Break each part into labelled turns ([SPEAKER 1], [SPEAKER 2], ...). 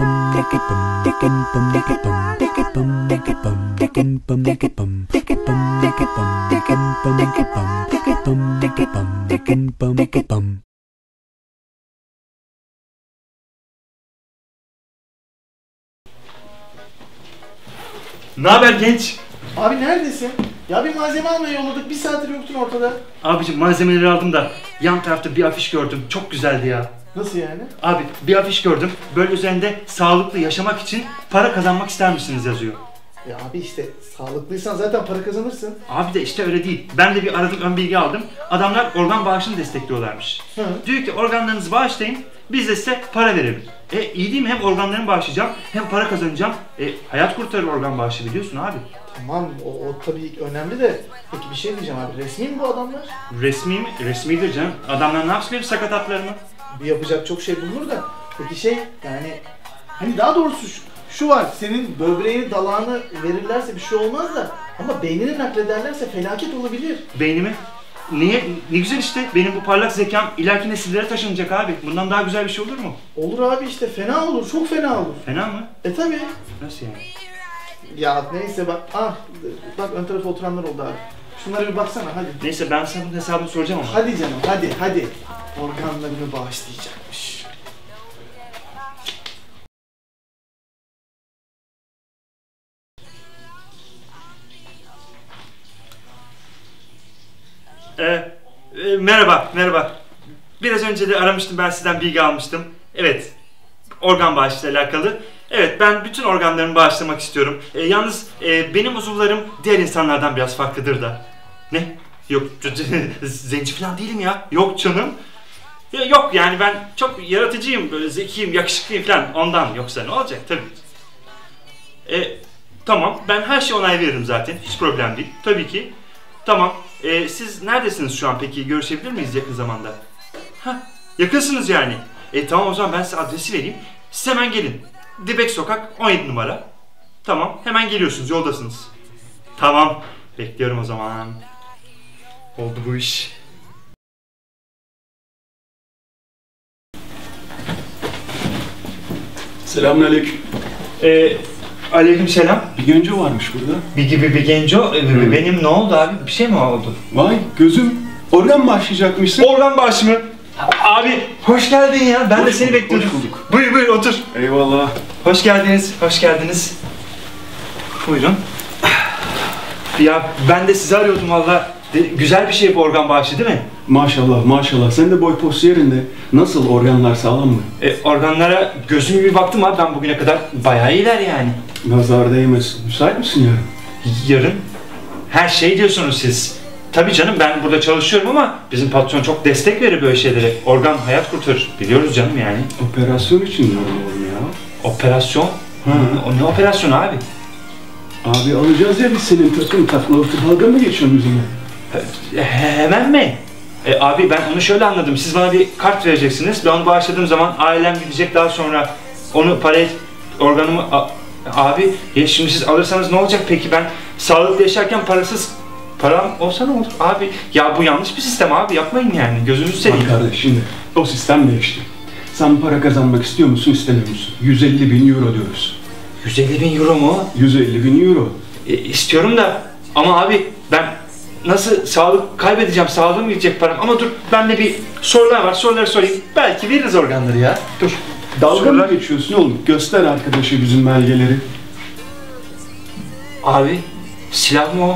[SPEAKER 1] Ne haber genç?
[SPEAKER 2] Abi neredesin? Ya bir malzeme almaya yolladık, bir saattir yoktun ortada.
[SPEAKER 1] Abicim malzemeleri aldım da yan tarafta bir afiş gördüm. Çok güzeldi ya.
[SPEAKER 2] Nasıl yani?
[SPEAKER 1] Abi bir afiş gördüm. Böyle üzerinde sağlıklı yaşamak için para kazanmak ister misiniz yazıyor.
[SPEAKER 2] Ya abi işte sağlıklıysan zaten para kazanırsın.
[SPEAKER 1] Abi de işte öyle değil. Ben de bir aradım, ön bilgi aldım. Adamlar organ bağışını destekliyorlarmış.
[SPEAKER 2] Hı.
[SPEAKER 1] Diyor ki organlarınızı bağışlayın, biz de size para verelim. İyi değil mi? Hem organlarımı bağışlayacağım, hem para kazanacağım. Hayat kurtarır organ bağışı, biliyorsun abi.
[SPEAKER 2] Tamam o tabii önemli de peki bir şey diyeceğim abi, resmi mi bu adamlar?
[SPEAKER 1] Resmi mi? Resmidir canım. Adamlar ne yapsın benim sakat atlarımı?
[SPEAKER 2] Bir yapacak çok şey bulunur da peki şey yani hani daha doğrusu şu var, senin böbreğini dalağını verirlerse bir şey olmaz da ama beynini naklederlerse felaket olabilir.
[SPEAKER 1] Beynimi? Niye? Ne güzel işte. Benim bu parlak zekam ileriki nesillere taşınacak abi. Bundan daha güzel bir şey olur mu?
[SPEAKER 2] Olur abi işte, fena olur, çok fena olur.
[SPEAKER 1] Fena mı?
[SPEAKER 2] Tabii.
[SPEAKER 1] Nasıl yani?
[SPEAKER 2] Ya neyse bak, bak ön tarafa oturanlar oldu abi. Şunlara bir baksana hadi.
[SPEAKER 1] Neyse ben sana bunun hesabını soracağım ama.
[SPEAKER 2] Hadi canım hadi. Organlarını bağışlayacakmış.
[SPEAKER 1] Merhaba. Biraz önce de aramıştım, ben sizden bilgi almıştım. Evet, organ bağışıyla alakalı. Evet, ben bütün organlarımı bağışlamak istiyorum. Yalnız benim uzuvlarım diğer insanlardan biraz farklıdır da. Ne? Yok, zenci falan değilim ya. Yok canım. Yok yani ben çok yaratıcıyım, böyle zekiyim, yakışıklıyım falan. Ondan, yoksa ne olacak tabii. Tamam, ben her şeye onay veririm zaten. Hiç problem değil. Tabii ki. Tamam. Siz neredesiniz şu an peki? Görüşebilir miyiz yakın zamanda? Hah, yakınsınız yani. Tamam o zaman ben size adresi vereyim. Siz hemen gelin. Dibek Sokak 17 numara. Tamam, hemen geliyorsunuz, yoldasınız. Tamam, bekliyorum o zaman. Oldu bu iş.
[SPEAKER 3] Selamünaleyküm.
[SPEAKER 1] Aleykümselam.
[SPEAKER 3] Bir genco varmış burada.
[SPEAKER 1] Bir genco. Benim ne oldu abi? Bir şey mi oldu?
[SPEAKER 3] Vay gözüm. Organ bağışlayacakmışsın.
[SPEAKER 1] Organ bağışı mı? Abi hoş geldin ya. Ben de seni bekliyordum.
[SPEAKER 3] Hoş bulduk.
[SPEAKER 1] Buyur otur.
[SPEAKER 3] Eyvallah.
[SPEAKER 1] Hoş geldiniz. Buyurun. Ya ben de sizi arıyordum valla. Güzel bir şey bu organ bağışı değil mi?
[SPEAKER 3] Maşallah. Sen de boy postu yerinde. Nasıl, organlar sağlam mı?
[SPEAKER 1] Organlara gözüm bir baktım abi, ben bugüne kadar bayağı iyiler yani.
[SPEAKER 3] Nazar değmesin. Müsait misin yarın?
[SPEAKER 1] Yarın? Her şey diyorsunuz siz. Tabii canım, ben burada çalışıyorum ama bizim patron çok destek verir böyle şeylere. Organ hayat kurtarır. Biliyoruz canım yani.
[SPEAKER 3] Operasyon için diyorum oğlum ya.
[SPEAKER 1] Operasyon? O ne operasyonu abi?
[SPEAKER 3] Abi alacağız ya biz senin takla dalga mı geçiyorsun bizimle?
[SPEAKER 1] Hemen mi? Abi ben onu şöyle anladım. Siz bana bir kart vereceksiniz. Ben onu bağışladığım zaman ailem gidecek, daha sonra onu organımı... Abi ya şimdi siz alırsanız ne olacak peki? Ben sağlıklı yaşarken param olsa ne olur? Abi ya bu yanlış bir sistem abi, yapmayın yani. Gözünüzü seveyim.
[SPEAKER 3] Bak kardeş, şimdi o sistem değişti. Sen para kazanmak istiyor musun, istemiyor musun? 150.000 euro diyoruz.
[SPEAKER 1] 150.000 euro mu?
[SPEAKER 3] 150.000 euro.
[SPEAKER 1] İstiyorum da ama abi ben nasıl sağlık kaybedeceğim, sağlığım gidecek param. Ama dur, bende bir sorular var, soruları sorayım. Belki veririz organları ya. Dur.
[SPEAKER 3] Dalga mı geçiyorsun oğlum? Göster arkadaşı bizim belgeleri.
[SPEAKER 1] Abi silah mı o?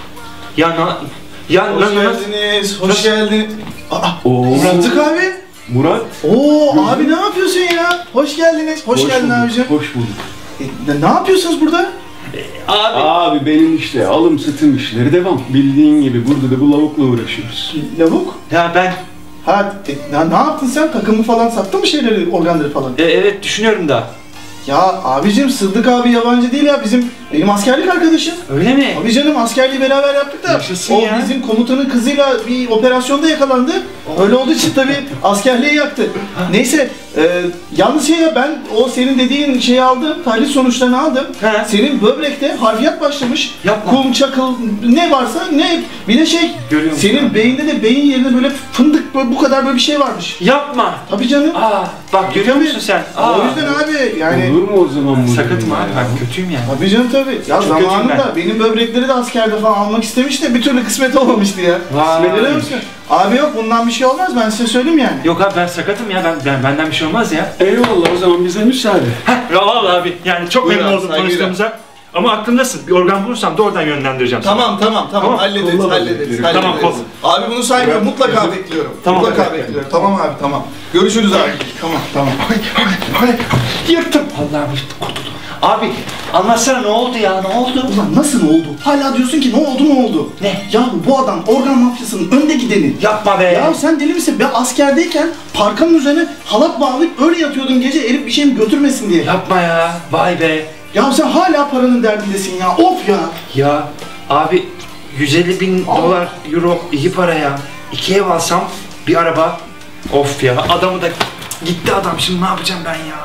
[SPEAKER 2] Hoş geldiniz, hoş geldin. Murat'tık abi.
[SPEAKER 3] Murat.
[SPEAKER 2] Abi ne yapıyorsun ya? Hoş geldiniz, hoş geldin
[SPEAKER 3] bulduk,
[SPEAKER 2] abicim.
[SPEAKER 3] Hoş bulduk.
[SPEAKER 2] Ne yapıyorsunuz burada?
[SPEAKER 3] Abi benim işte alım satım işleri devam. Bildiğin gibi burada da bu lavukla uğraşıyoruz.
[SPEAKER 2] Lavuk?
[SPEAKER 1] Ya ben...
[SPEAKER 2] Ne yaptın sen? Takımı falan sattın mı şeyleri, organları falan?
[SPEAKER 1] Evet düşünüyorum da.
[SPEAKER 2] Ya abicim, Sıddık abi yabancı değil ya, bizim Benim askerlik arkadaşım.
[SPEAKER 1] Öyle mi?
[SPEAKER 2] Abi canım askerliği beraber yaptık da
[SPEAKER 1] Yaşasın
[SPEAKER 2] o
[SPEAKER 1] ya.
[SPEAKER 2] bizim komutanın kızıyla bir operasyonda yakalandı. Öyle olduğu için tabii askerliği yaktı. Neyse yalnız ben o senin dediğin şeyi aldım. Tahlil sonuçlarını aldım.
[SPEAKER 1] He.
[SPEAKER 2] Senin böbrekte harfiyat başlamış.
[SPEAKER 1] Yapma.
[SPEAKER 2] Kum, çakıl ne varsa ne bir de
[SPEAKER 1] Görüyor musun
[SPEAKER 2] senin
[SPEAKER 1] abi?
[SPEAKER 2] beyinde de beyin yerine böyle fındık böyle bu kadar böyle bir şey varmış.
[SPEAKER 1] Yapma.
[SPEAKER 2] Tabii canım.
[SPEAKER 1] Bak görüyor musun sen?
[SPEAKER 2] O yüzden abi yani
[SPEAKER 3] Olur mu o zaman bu?
[SPEAKER 1] Sakatım
[SPEAKER 3] ya?
[SPEAKER 1] abi, ben kötüyüm yani.
[SPEAKER 2] tabii canım tabii. Ya
[SPEAKER 1] Çok kötüyüm
[SPEAKER 2] zamanında benim böbrekleri de askerde falan almak istemiş de bir türlü kısmet olmamıştı ya.
[SPEAKER 1] Vay.
[SPEAKER 2] Biliyor musun? Abi yok bundan bir şey olmaz ben size söyleyeyim yani.
[SPEAKER 1] Yok abi ben sakatım ya, benden bir şey olmaz ya.
[SPEAKER 3] Eyvallah, o zaman bize müsaade.
[SPEAKER 1] Ya vallahi abi yani çok
[SPEAKER 2] Buyur
[SPEAKER 1] memnun
[SPEAKER 2] abi,
[SPEAKER 1] oldum
[SPEAKER 2] saygıyla.
[SPEAKER 1] tanıştığımıza. Ama aklımdasın. Bir organ bulursam da oradan yönlendireceğim seni.
[SPEAKER 2] Tamam
[SPEAKER 1] Tamam,
[SPEAKER 2] hallederiz
[SPEAKER 3] kolla
[SPEAKER 2] hallederiz.
[SPEAKER 3] Tamam,
[SPEAKER 2] hallederiz.
[SPEAKER 1] kol.
[SPEAKER 2] Abi bunu saymıyorum mutlaka bekliyorum.
[SPEAKER 1] Tamam.
[SPEAKER 2] Mutlaka bekliyorum. Tamam abi tamam. Görüşürüz abi. Tamam.
[SPEAKER 1] Yırttım. Allah'ım kurtuldum. Abi anlatsana ne oldu ya, ne oldu?
[SPEAKER 2] Ulan nasıl oldu? Hala diyorsun ki ne oldu?
[SPEAKER 1] Ne?
[SPEAKER 2] Yahu bu adam organ mafyasının önde gideni.
[SPEAKER 1] Yapma be.
[SPEAKER 2] Ya sen deli misin? Ben askerdeyken parkanın üzerine halat bağlayıp öyle yatıyordun gece herif bir şey mi götürmesin diye.
[SPEAKER 1] Yapma ya. Vay be.
[SPEAKER 2] Ya sen hala paranın derdindesin ya. Of ya.
[SPEAKER 1] Ya abi 150.000 dolar, euro iyi para ya. 2 ev alsam bir araba. Of ya adamı da gitti adam, şimdi ne yapacağım ben ya?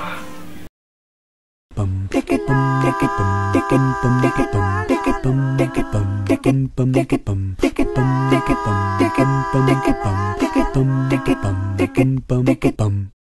[SPEAKER 4] Bum, tick it bum, tick it bum, tick it bum, tick it bum, tick it bum, tick it bum, tick it bum, tick it bum, tick it bum, tick it bum, tick it bum, tick it bum, tick it bum, tick it bum, tick it bum, tick it bum.